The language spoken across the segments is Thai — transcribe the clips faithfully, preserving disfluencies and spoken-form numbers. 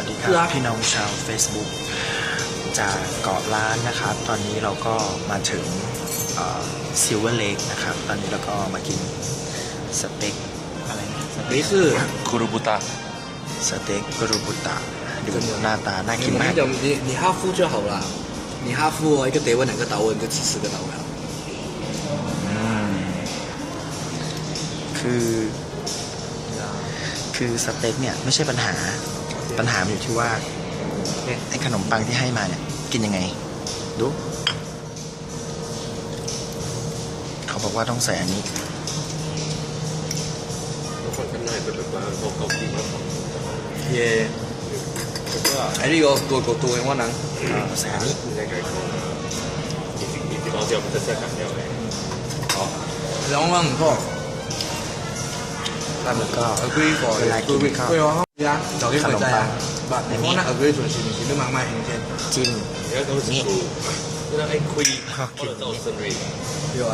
วัสดีครับพี่น้องชาว Facebook จากเกาะล้านนะครับตอนนี้เราก็มาถึงซิลเวอร์เลคนะครับตอนนี้เราก็มากินสเต็กอะไรนะสเต็กคือคุรุบุตะสเต็กกุรุบุตะดูหน้าตาน่ากินมาก你你哈夫就好了你哈夫哦一个德文两个岛文就吃四个岛了อืมคือคือสเต็กเนี่ยไม่ใช่ปัญหาปัญหาอยู่ที่ว่าไอ้ขนมปังที่ให้มาเนี่ยกินยังไงดูเขาบอกว่าต้องใส่อันนี้เย่ไอ้นี่ก็ตัวตัวตัวเองว่านังใส่อันนี้兩蚊唔錯แล้วก็ agree for เวลากินข้าว對啊係啊就呢個就係不你講得 agree 做事情都慢慢行先จิ้มนี่那哎亏或者到生日對啊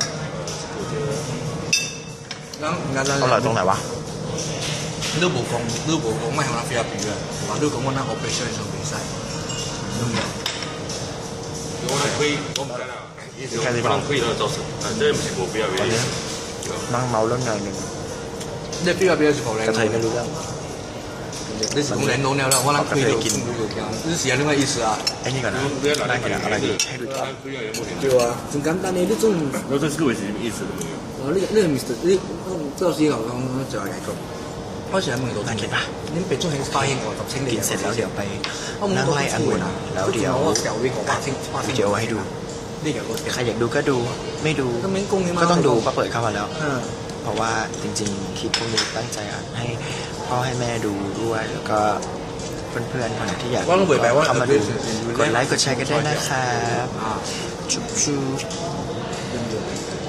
咁而家อร่อยตรงไหนวะ你都冇講你都冇講咩向我菲律賓嘅話都講我嗱我必須上比賽都冇我那亏我唔知啦可能亏到造成啊這唔是我不要原因นั่งเมาเรื่องงานหนึ่ง你菲律賓是否嚟กระเทยไม่รู้เรื่อง你是講領導了我嗱虧到กิน你是有呢個意思啊ไอ้นี่ก่อนนะน่ากินอะไรดีให้ดูก่อน對啊真簡單你呢種然後這是個為什麼意思都沒有哦呢個呢個 Mister 呢周師牛講就係一個開始喺門度น่ากินปะ你俾中興花英我十清กินเสร็จแล้วเดี๋ยวไปนั่งไล่องุ่นแล้วเดี๋ยววิดีโอให้ดูใครอยากดูก็ดูไม่ดูก็ต้องดูเพราะเปิดเข้ามาแล้วเพราะว่าจริงๆคลิปพวกนี้ตั้งใจอัดให้พ่อให้แม่ดูด้วยแล้วก็เพื่อนๆคนไหนที่อยากเข้ามาดูกดไลค์กดแชร์กันได้นะครับจุ๊บจุ๊บ